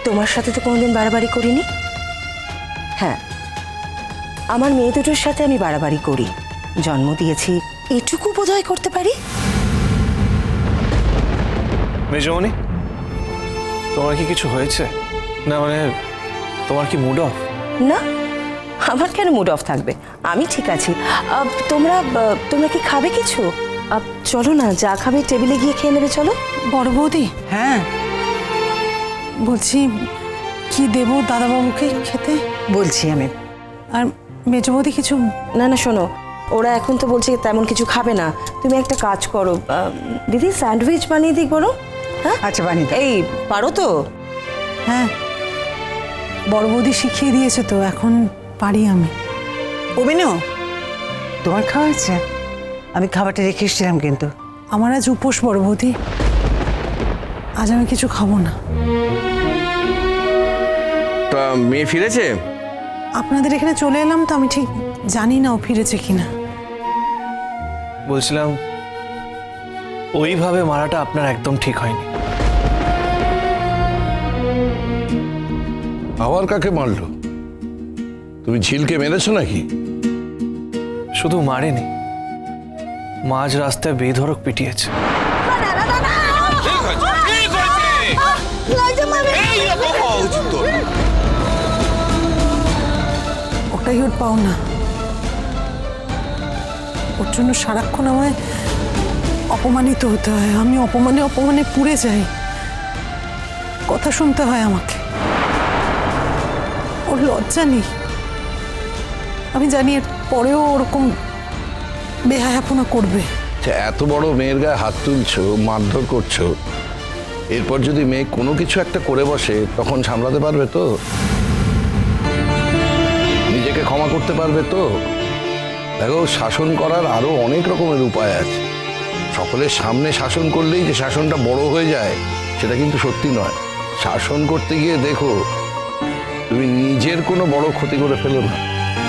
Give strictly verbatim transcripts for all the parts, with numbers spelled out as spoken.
তোমার সাথে তো কোনোদিন বাড়াবাড়ি করিনি। হ্যাঁ, আমার মেয়ে দুটোর সাথে আমি বাড়াবাড়ি করি, জন্ম দিয়েছি, এটুকু বোধহয় করতে পারি। মেজমণি, তোমার কি কিছু হয়েছে? না মানে তোমার কি মুড অফ? না, আমার কেন মুড অফ থাকবে, আমি ঠিক আছি। আহ, তোমরা আহ, তোমরা কি খাবে কিছু? আহ, চলো না, যা খাবে টেবিলে গিয়ে খেয়ে নেবে। চলো। বড় বৌদি, হ্যাঁ বলছি কি দেবো দাদাবাবুকে খেতে? বলছি আমি। আর মেজ বৌদি কিছু? না না, শোনো, ওরা এখন তো বলছে তেমন কিছু খাবে না। তুমি একটা কাজ করো, আহ, দিদি স্যান্ডউইচ বানিয়ে দিই বলো। হ্যাঁ আচ্ছা বানিয়ে দাও। এই পারো তো? হ্যাঁ, বড় বৌদি শিখিয়ে দিয়েছে তো, এখন পারি আমি। অভিনয়, তোমার খাওয়া হয়েছে? আমি খাবারটা রেখে এসেছিলাম কিন্তু। আমার আজ উপোস বড় বৌদি, আজ আমি কিছু খাবো না। তা মেয়ে ফিরেছে? আপনাদের এখানে চলে এলাম তো, আমি ঠিক জানি না ও ফিরেছে কিনা। বলছিলাম ওইভাবে মারাটা আপনার একদম ঠিক হয়নি। আবার কাকে মারলো? তুমি ঝিলকে মেরেছো নাকি? শুধু মারেনি, মাঝ রাস্তায় বেধড়ক পিটিয়েছে। ওটাই ওর পাও না, ওর জন্য সারাক্ষণ আমায় অপমানিত হতে হয়। আমি অপমানে অপমানে পুড়ে যাই, কথা শুনতে হয় আমাকে। ওর লজ্জা নেই, আমি জানি এর পরেও ওরকম বেহায়াপনা করবে। যে এত বড় মেয়ের গায়ে হাত তুলছো, মারধর করছো, এরপর যদি মেয়ে কোনো কিছু একটা করে বসে তখন সামলাতে পারবে তো? নিজেকে ক্ষমা করতে পারবে তো? দেখো, শাসন করার আরো অনেক রকমের উপায় আছে। সকলের সামনে শাসন করলেই যে শাসনটা বড় হয়ে যায় সেটা কিন্তু সত্যি নয়। শাসন করতে গিয়ে দেখো তুমি নিজের কোনো বড় ক্ষতি করে ফেলো না।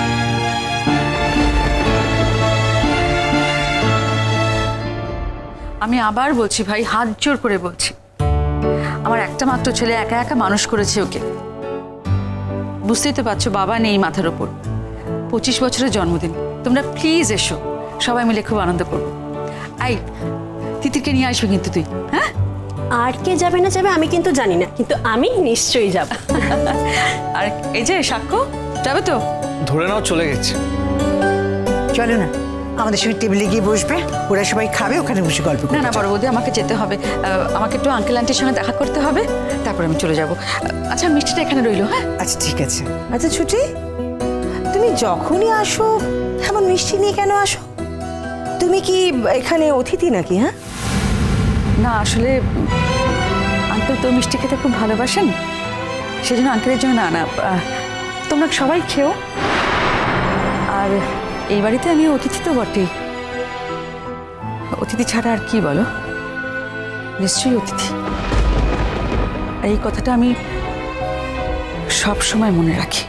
আমি আবার বলছি ভাই, হাত জোর করে বলছি, আমার একটা মাত্র ছেলে, একা একা মানুষ করেছে ওকে। বুঝতেই তো পারছো, বাবা নেই মাথার ওপর, পঁচিশ বছরের জন্মদিন। তোমরা প্লিজ এসো, সবাই মিলে খুব আনন্দ করবো। আই, তিতিরকে নিয়ে আসবে কিন্তু তুই। হ্যাঁ, আর কে যাবে না যাবে আমি কিন্তু জানি না, কিন্তু আমি নিশ্চয়ই যাব। আর এই যে সাক্ষ্য যাবে তো? ধরে নাও চলে গেছে। চলো না, আমাদের সঙ্গে টেবিলে গিয়ে বসবে, ওরা সবাই খাবে, ওখানে বসে গল্প না করবে। না বড় বৌদি, আমাকে যেতে হবে, আহ, আমাকে একটু আঙ্কেল আন্টির সঙ্গে দেখা করতে হবে, তারপর আমি চলে যাব। আচ্ছা, মিষ্টিটা এখানে রইলো। হ্যাঁ আচ্ছা ঠিক আছে। আচ্ছা ছুটি, তুমি যখনই আসো এমন মিষ্টি নিয়ে কেন আসো? তুমি কি এখানে অতিথি নাকি? হ্যাঁ না, আসলে আঙ্কেল তো মিষ্টি খেতে খুব ভালোবাসেন, সেজন্য আঙ্কেলের জন্য না না আহ, তোমরা সবাই খেও। আর এই বাড়িতে আমি অতিথি তো বটেই, অতিথি ছাড়া আর কি বলো, নিশ্চয়ই অতিথি। আর এই কথাটা আমি সব সময় মনে রাখি।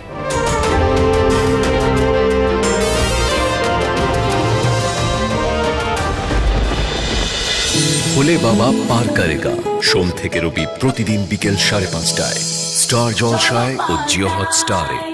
ভোলে বাবা পার করেগা, সোম থেকে রবি প্রতিদিন বিকেল সাড়ে পাঁচটায় স্টার জলসায় ও জিও হটস্টারে।